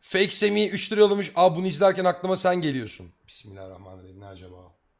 Fake Semih 3 lira yollamış. Aa bunu izlerken aklıma sen geliyorsun. Bismillahirrahmanirrahim. Ne acaba?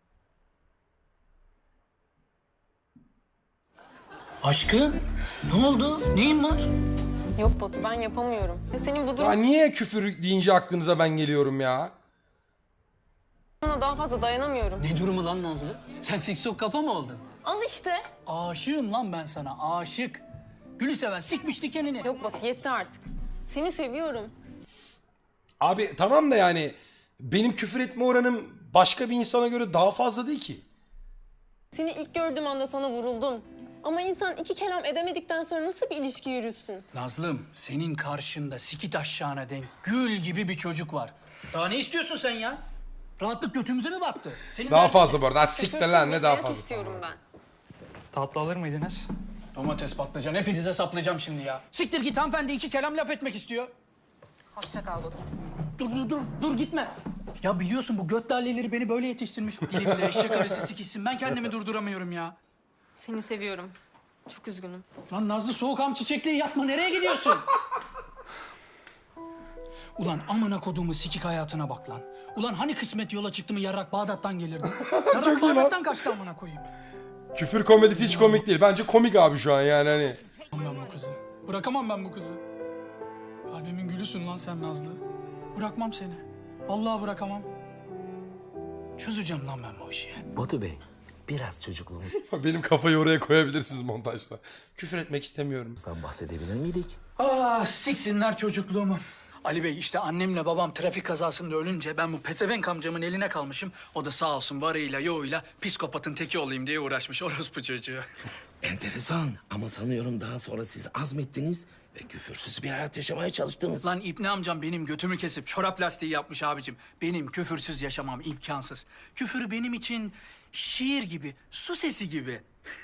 Aşkım, ne oldu? Neyin var? Yok Batu, ben yapamıyorum. Ya senin bu Ya durumuna niye küfür deyince aklınıza ben geliyorum ya? daha fazla dayanamıyorum. Ne durumu lan Nazlı? Sen siksok kafa mı oldun? Al işte. Aşığım lan ben sana, aşık. Gülü seven sikmiş dikenini. Yok Batu, yetti artık. Seni seviyorum. Abi tamam da yani benim küfür etme oranım başka bir insana göre daha fazla değil ki. Seni ilk gördüğüm anda sana vuruldum. Ama insan iki kelam edemedikten sonra nasıl bir ilişki yürütsün? Nazlım, senin karşında sikit aşağına denk gül gibi bir çocuk var. Daha ne istiyorsun sen ya? Rahatlık götümüze mi battı? Senin Daha derdin fazla ne? bu arada. Ha, siktir lan ne daha Hayat fazla. istiyorum ben. Tatlı alır mıydınız? Domates, patlıcan hepinize saplayacağım şimdi ya. Siktir git, hanımefendi iki kelam laf etmek istiyor. Hoşça kal Batu. Dur gitme. Ya biliyorsun bu göt lalleleri beni böyle yetiştirmiş. Dilimde eşek arısı sikişsin. Ben kendimi durduramıyorum ya. Seni seviyorum. Çok üzgünüm. Lan Nazlı soğukam çiçekliği yapma. Nereye gidiyorsun? Ulan amına koduğumu sikik hayatına bak lan. Ulan hani kısmet yola çıktı mı yarrak Bağdat'tan gelirdi? Yarrak Çok iyi lan. Bağdat'tan kaçtı amına koyayım. Küfür komedisi hiç komik değil. Bence komik abi şu an yani hani. Ben bu kızı. Bırakamam ben bu kızı. Kalbimin gülüsün lan sen Nazlı. Bırakmam seni. Vallahi bırakamam. Çözeceğim lan ben bu işi. Batu Bey, biraz çocukluğumuzdan Benim kafayı oraya koyabilirsiniz montajda. Küfür etmek istemiyorum. bahsedebilir miydik? Ah siksinler çocukluğumu. Ali Bey işte annemle babam trafik kazasında ölünce ben bu pezevenk amcamın eline kalmışım. O da sağ olsun varıyla yoğuyla psikopatın teki olayım diye uğraşmış orospu çocuğu. Enteresan ama sanıyorum daha sonra siz azmettiniz ve küfürsüz bir hayat yaşamaya çalıştınız. Lan İbni amcam benim götümü kesip çorap lastiği yapmış abicim. Benim küfürsüz yaşamam imkansız. Küfür benim için şiir gibi, su sesi gibi.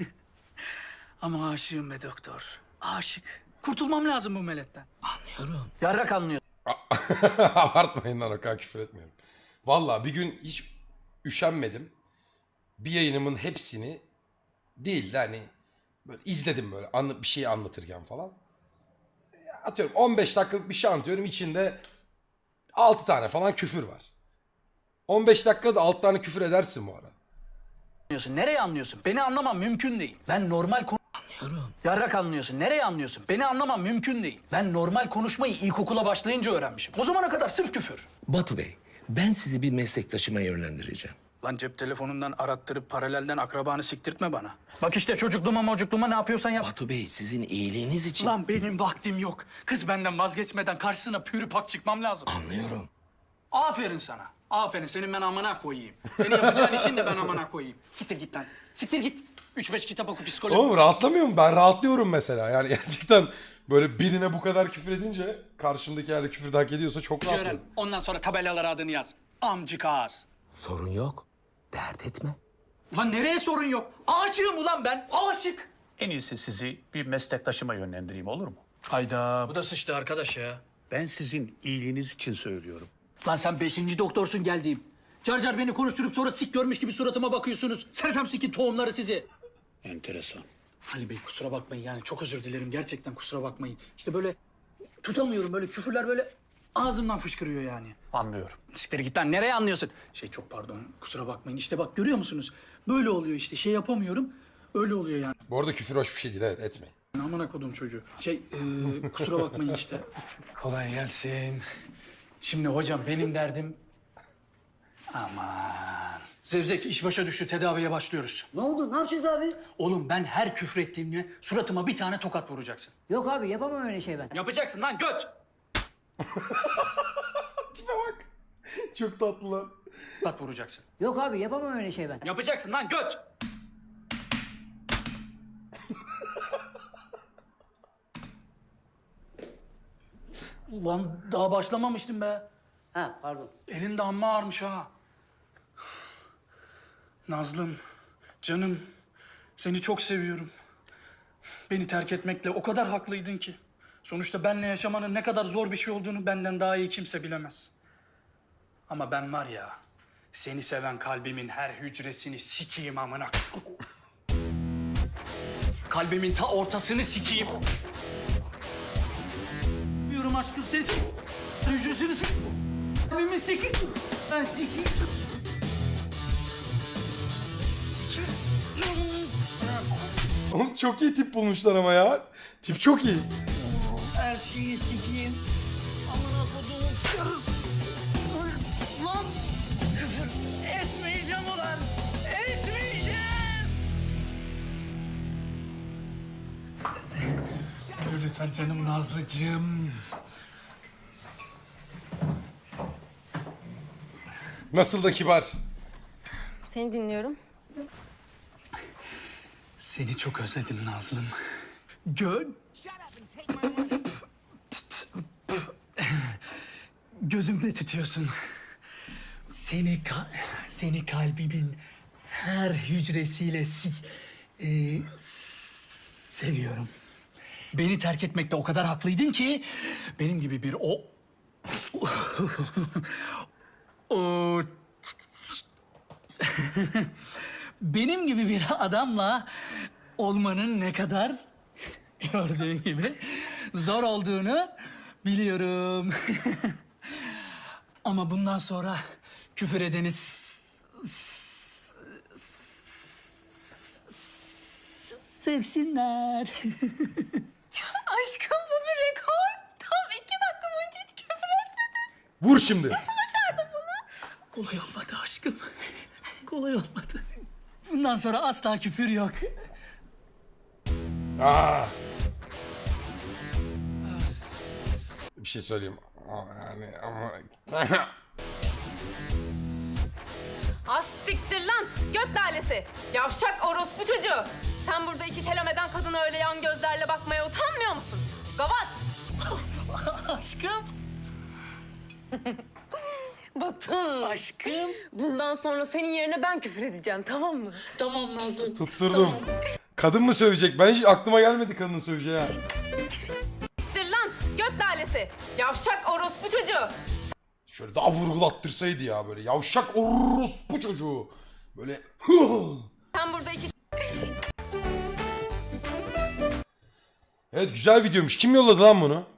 Ama aşığım be doktor, aşık. Kurtulmam lazım bu meletten. Anlıyorum. Yarrak anlıyor. Abartmayın lan o kadar küfür etmiyorum. Vallahi bir gün hiç üşenmedim. Bir yayınımın hepsini değil de hani böyle izledim böyle bir şey anlatırken falan. Atıyorum 15 dakikalık bir şey anlatıyorum. İçinde 6 tane falan küfür var. 15 dakikada 6 tane küfür edersin bu arada. Anlıyorsun. Nereye anlıyorsun? Beni anlamam mümkün değil. Ben normal Anlıyorum. Yarrak anlıyorsun. Nereye anlıyorsun? Beni anlamam mümkün değil. Ben normal konuşmayı ilkokula başlayınca öğrenmişim. O zamana kadar sırf küfür. Batu Bey, ben sizi bir meslektaşıma yönlendireceğim. Lan cep telefonundan arattırıp paralelden akrabanı siktirtme bana. Bak işte çocukluğuma ne yapıyorsan yap. Batu Bey, sizin iyiliğiniz için... Lan benim vaktim yok. Kız benden vazgeçmeden karşısına pürü pak çıkmam lazım. Anlıyorum. Aferin sana. Aferin. Senin ben amına koyayım. Senin yapacağın işin de ben amına koyayım. Siktir git lan. Siktir git. 3-5 kitap oku psikoloji. Oğlum rahatlamıyor mu? Ben rahatlıyorum mesela. Yani gerçekten böyle birine bu kadar küfür edince karşımdaki eğer küfür de hak ediyorsa çok öğren. rahatlıyorum. Ondan sonra tabelalara adını yaz. Amcık ağız. Sorun yok. Dert etme. Ulan nereye sorun yok? Aşığım ulan ben. Aşık. En iyisi sizi bir meslektaşıma yönlendireyim olur mu? Hayda. Bu da sıçtı arkadaş ya. Ben sizin iyiliğiniz için söylüyorum. Lan sen 5. doktorsun geldiğim. Car car beni konuşturup sonra sik görmüş gibi suratıma bakıyorsunuz. Sersem sikin tohumları sizi. Enteresan. Ali Bey kusura bakmayın yani çok özür dilerim. Gerçekten kusura bakmayın. İşte böyle tutamıyorum böyle küfürler böyle ağzımdan fışkırıyor yani. Anlıyorum. Siktir git lan nereye anlıyorsun? Çok pardon kusura bakmayın. İşte bak görüyor musunuz? Böyle oluyor işte şey yapamıyorum. Öyle oluyor yani. Bu arada küfür hoş bir şey değil, evet, etmeyin. Amına kodum çocuğu. Kusura bakmayın işte. Kolay gelsin. Şimdi hocam benim derdim... Aman. Zevzek iş başa düştü tedaviye başlıyoruz. Ne oldu? Ne yapacağız abi? Oğlum ben her küfür ettiğimde suratıma bir tane tokat vuracaksın. Yok abi yapamam öyle şey ben. Yapacaksın lan göt. Tipe bak. Çok tatlı lan. Tokat vuracaksın. Yok abi yapamam öyle şey ben. Yapacaksın lan göt. Ulan daha başlamamıştım be. Ha pardon. Elin de amma ağırmış ha. Nazlım, canım, seni çok seviyorum. Beni terk etmekle o kadar haklıydın ki. Sonuçta benle yaşamanın ne kadar zor bir şey olduğunu benden daha iyi kimse bilemez. Ama ben var ya, seni seven kalbimin her hücresini sikeyim amına. Kalbimin ta ortasını sikeyim. Diyorum aşkım seni... Gözünü s***. Abimin siki. Ben siki. Oğlum çok iyi tip bulmuşlar ama ya. Tip çok iyi. Her şeyi sikiyim. Amına koduğum. Lan. Küfür etmeyeceğim ulan. Etmeyeceğim. Yürü lütfen canım Nazlıcığım. Nasıl da kibar. Seni dinliyorum. Seni çok özledim Nazlım. Gözümde tutuyorsun. Seni kalbimin her hücresiyle seviyorum. Beni terk etmekte o kadar haklıydın ki benim gibi bir o benim gibi bir adamla olmanın ne kadar gördüğün gibi zor olduğunu biliyorum. Ama bundan sonra küfür edeni sevsinler. Aşkım bu bir rekor. Tam 2 dakika boyunca hiç küfür etmedin. Vur şimdi. Kolay olmadı aşkım. Kolay olmadı. Bundan sonra asla küfür yok. Aa. Bir şey söyleyeyim. Yani ama... Az siktir lan göt lalesi. Yavşak orospu çocuğu. Sen burada 2 kelam eden kadına öyle yan gözlerle bakmaya utanmıyor musun? Gavat. Aşkım. Batın. Aşkım. Bundan sonra senin yerine ben küfür edeceğim, tamam mı? Tamam Nazlı. Tutturdum. Kadın mı sövecek? Ben hiç aklıma gelmedi kadının söveceği ha. Siktir lan göt lalesi. Yavşak orospu çocuğu. Şöyle daha vurgulattırsaydı ya böyle. Yavşak orospu çocuğu. Böyle... Sen burada 2 Evet güzel videoymuş. Kim yolladı lan bunu?